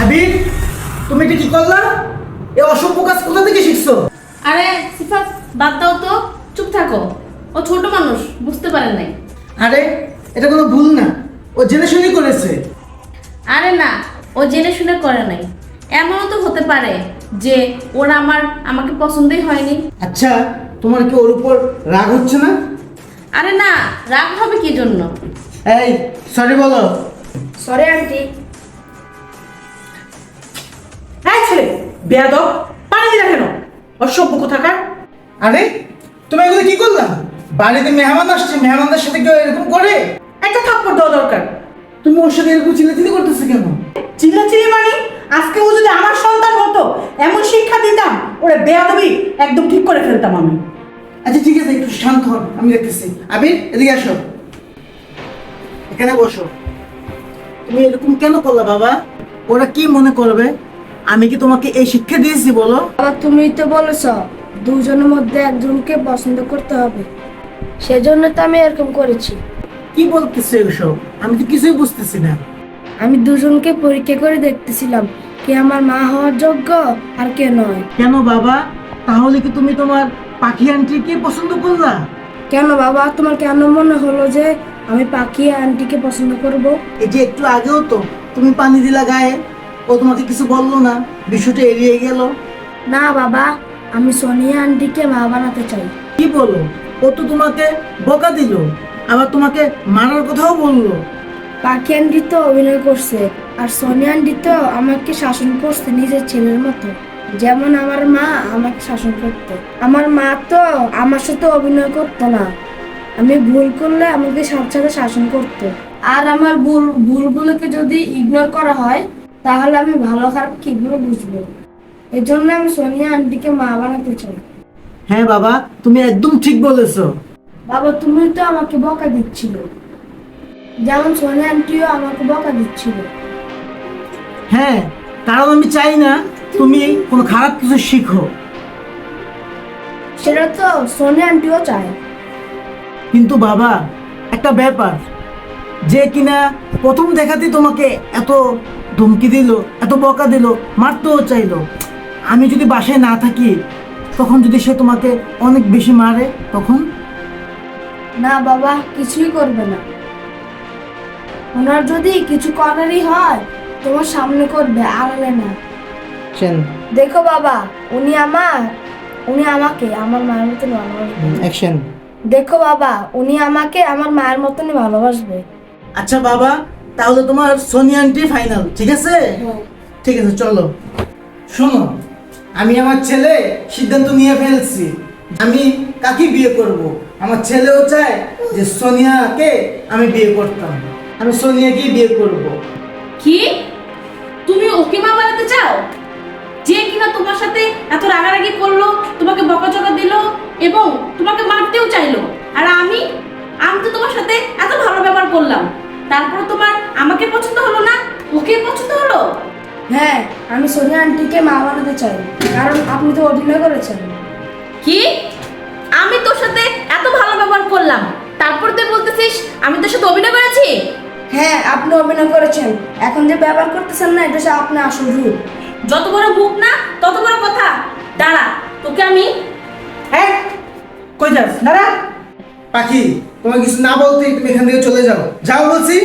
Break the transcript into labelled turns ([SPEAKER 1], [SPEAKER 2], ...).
[SPEAKER 1] আবির, তুমি এটা কি করলা? এই অসভ্য কাজ কোথা থেকে শিখছো?
[SPEAKER 2] আরে সিফাত, বাদ দাও তো, চুপ থাকো। ও ছোট মানুষ, বুঝতে পারে নাই।
[SPEAKER 1] আরে এটা কোনো ভুল না, ও জেনে শুনে করেছে।
[SPEAKER 2] আরে না, ও জেনে শুনে করে নাই। এমনও তো হতে পারে যে ওরা আমাকে পছন্দই হয়নি।
[SPEAKER 1] আচ্ছা, তোমার কি ওর উপর রাগ হচ্ছে না?
[SPEAKER 2] আরে না, রাগ হবে কি জন্য?
[SPEAKER 1] এই সরি বলো।
[SPEAKER 3] Sorry aunty.
[SPEAKER 4] হ্যাঁ ছেলে, বেয়াদব, পানি দিলা কেন? অসভ্য কোথাকার।
[SPEAKER 1] আরে তুমি এগুলো কি করলা? বাড়িতে মেহমান আসছে, মেহমানদের সাথে কেউ এরকম করে?
[SPEAKER 4] একটা থাপ্পড় দেওয়া দরকার।
[SPEAKER 1] তুমি ওর সাথে এরকম চিল্লাচিল্লি করতেছো কেন?
[SPEAKER 4] চিল্লাচিল্লি মানে? আজকে ও যদি আমার সন্তান হতো, এমন শিক্ষা দিতাম, ওরে বেয়াদবি একদম ঠিক করে ফেলতাম আমি।
[SPEAKER 1] আচ্ছা ঠিক আছে, একটু শান্ত হন, আমি দেখতেছি। আবির এদিকে আসো, এখানে বসো। তুমি এরকম কেন করলা বাবা? ওরা কি মনে করবে? আমি কি তোমাকে এই শিক্ষা দিয়েছি বলো?
[SPEAKER 3] বাবা তুমি তো বলেছ দুজনের মধ্যে একজনকে পছন্দ করতে হবে, সেজন্য তো আমি এরকম করেছি।
[SPEAKER 1] কি বলতেছো এসব? আমি তো কিছুই বুঝতেছি না।
[SPEAKER 3] আমি দুজনকে পরীক্ষা করে দেখতেছিলাম কে আমার মা হওয়ার যোগ্য আর কে নয়।
[SPEAKER 1] কেন বাবা? তাহলে কি তুমি তোমার পাখি আন্টিকে পছন্দ করলা?
[SPEAKER 3] কেন বাবা, তোমার কেন মনে হলো যে আমি পাখি আন্টিকে পছন্দ করব?
[SPEAKER 1] এই যে একটু আগেও তো তুমি পানি দিলা গায়ে, ও তোমাকে কিছু বললো না, বিষয়টা এড়িয়ে গেল।
[SPEAKER 3] না বাবা, আমি সোনিয়া আন্টিকে মা বানাতে চাই।
[SPEAKER 1] কি বলো? ও তো তোমাকে বকা দিল, আবার তোমাকে মারার কথাও বললো।
[SPEAKER 3] পাখি আন্টি তো অভিনয় করছে, আর সোনিয়া আন্টি তো আমাকে শাসন করছে নিজের ছেলের মতো, যেমন আমার মা আমাকে শাসন করতো। আমার মা তো আমার সাথে অভিনয় করতো না, আমি ভুল করলে আমাকে সাথে সাথে শাসন করতো। আর আমার ভুলগুলোকে যদি ইগনোর করা হয়, তাহলে আমি ভালো খারাপ কিভাবে বুঝবো? এর জন্য আমি সোনিয়া আন্টিকে মা বানাতে চাই।
[SPEAKER 1] হ্যাঁ বাবা, তুমি একদম ঠিক বলেছো।
[SPEAKER 3] বাবা তুমি তো আমাকে বকা দিচ্ছিল, যেমন সোনিয়া আন্টিও আমাকে বকা দিচ্ছিল।
[SPEAKER 1] হ্যাঁ, কারণ আমি চাই না তুমি কোনো খারাপ কিছু শিখো।
[SPEAKER 3] সেটা তো সোনিয়া আন্টিও চায়।
[SPEAKER 1] কিন্তু বাবা, একটা ব্যাপার, যে কিনা প্রথম দেখাতেই তোমাকে এত ধমকি দিল, এত বকা দিল, মারতেও চাইলো, আমি যদি বাসায় না থাকি, তখন যদি সে তোমাকে অনেক বেশি মারে, তখন?
[SPEAKER 3] না বাবা, কিছুই করবে না। ওনার যদি কিছু করারই হয় তোমার সামনে করবে, আড়ালে না। দেখো বাবা, উনি আমাকে আমার মায়ের মতন ভালোবাসবে।
[SPEAKER 1] অ্যাকশন।
[SPEAKER 3] দেখো বাবা, উনি আমাকে আমার মায়ের মতনই ভালোবাসবে।
[SPEAKER 1] আচ্ছা বাবা, তাহলে তোমার সোনিয়া আন্টি ফাইনাল, ঠিক আছে? ঠিক আছে, চলো। শোনো, আমি আমার ছেলে সিদ্ধান্ত নিয়ে ফেলছি, আমি কাকে বিয়ে করব। আমার ছেলেও চায় যে সোনিয়াকে আমি বিয়ে করতাম, আমি সোনিয়াকেই বিয়ে করব।
[SPEAKER 2] কি? তুমি ওকে মা বানাতে চাও? যে কিনা তোমার সাথে এত রাগারাগি করলো, তোমাকে বকাঝকা দিল এবং তোমাকে মারতেও চাইলো, আর আমি তো তোমার সাথে এত ভালো ব্যবহার করলাম, তারপর তোমার আমাকে পছন্দ হলো না, ওকে পছন্দ হলো?
[SPEAKER 3] হ্যাঁ, আমি সোনিয়া আন্টিকে মা বানাতে চাই, কারণ আপনি তো অভিনয় করেছেন।
[SPEAKER 2] কি? আমি তোর সাথে এত ভালো ব্যবহার করলাম, তারপর তুই বলতেছিস আমি তোর সাথে অভিনয় করেছি?
[SPEAKER 3] হ্যাঁ, আপনি অভিনয় করেছেন। এখন যে ব্যবহার করতেছেন না, এটা আপনি আসল রূপ।
[SPEAKER 2] যত বড় মুখ না তত বড় কথা। দাঁড়া, তোকে আমি।
[SPEAKER 4] হ্যাঁ, কই যাস? দাঁড়া।
[SPEAKER 1] পাখি, তোমার কিছু না বলতেই তুমি এখান থেকে চলে যাও, যাও বলছি।